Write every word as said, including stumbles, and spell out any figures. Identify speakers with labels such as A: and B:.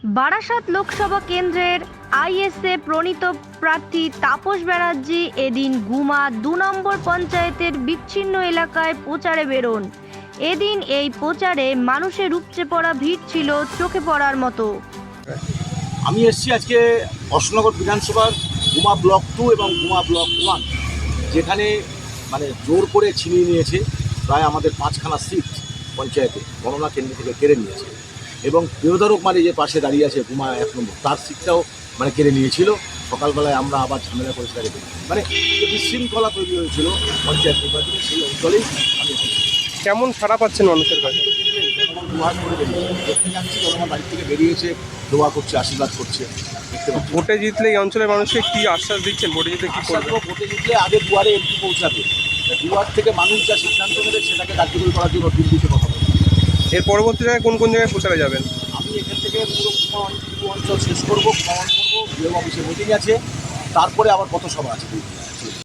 A: বারাসাত লোকসভা কেন্দ্রের আইএসএ প্রণীত প্রার্থী তাপস ব্যানার্জি এদিন গুমা দু নম্বর পঞ্চায়েতের বিচ্ছিন্ন এলাকায় প্রচারে বেরোন। এদিন এই প্রচারে মানুষের উপচে পড়া ভিড় ছিল চোখে পড়ার মতো।
B: আমি এসেছি আজকে অশোকনগর বিধানসভার গুমা ব্লক টু এবং গুমা ব্লক ওয়ান, যেখানে মানে জোর করে ছিনিয়ে নিয়েছে প্রায় আমাদের পাঁচখানা সিট পঞ্চায়েতে গণনা কেন্দ্র থেকে কেড়ে নিয়েছে, এবং প্রিয়ধারক মানে যে পাশে দাঁড়িয়ে আছে গুমা এক নম্বর, তার সিটটাও মানে কেড়ে নিয়েছিল। সকালবেলায় আমরা আবার ঝামেলা করে সেটাকে মানে বিশৃঙ্খলা তৈরি হয়েছিল পঞ্চায়েত নির্বাচনে, সেই অঞ্চলেই আমি
C: কেমন সাড়া পাচ্ছেন মানুষের কাছে?
B: দোয়া করে বেরিয়েছে, দেখতে যাচ্ছি জনগণ বাড়ি থেকে বেরিয়েছে, দোয়া করছে, আশীর্বাদ করছে। দেখতে পাচ্ছি
C: ভোটে জিতলে এই অঞ্চলের মানুষকে কি আশ্বাস দিচ্ছেন? ভোটে জিতলে কি
B: আশা
C: করবে?
B: করব ভোটে জিতলে আগে দুয়ারে এমপি পৌঁছাবে, দুয়ার থেকে মানুষ যা সিদ্ধান্ত নেবে সেটাকে কার্যকরী করার জন্য দিল্লিতে কথা বলবে।
C: এর পরবর্তী জায়গায় কোন কোন জায়গায় প্রচারে যাবেন?
B: আমি এখান থেকে পুরো কুমা অঞ্চল শেষ করবো, ভ্রমণ করবো, বিএম অফিসে মিটিং আছে, তারপরে আবার কত সভা আছে।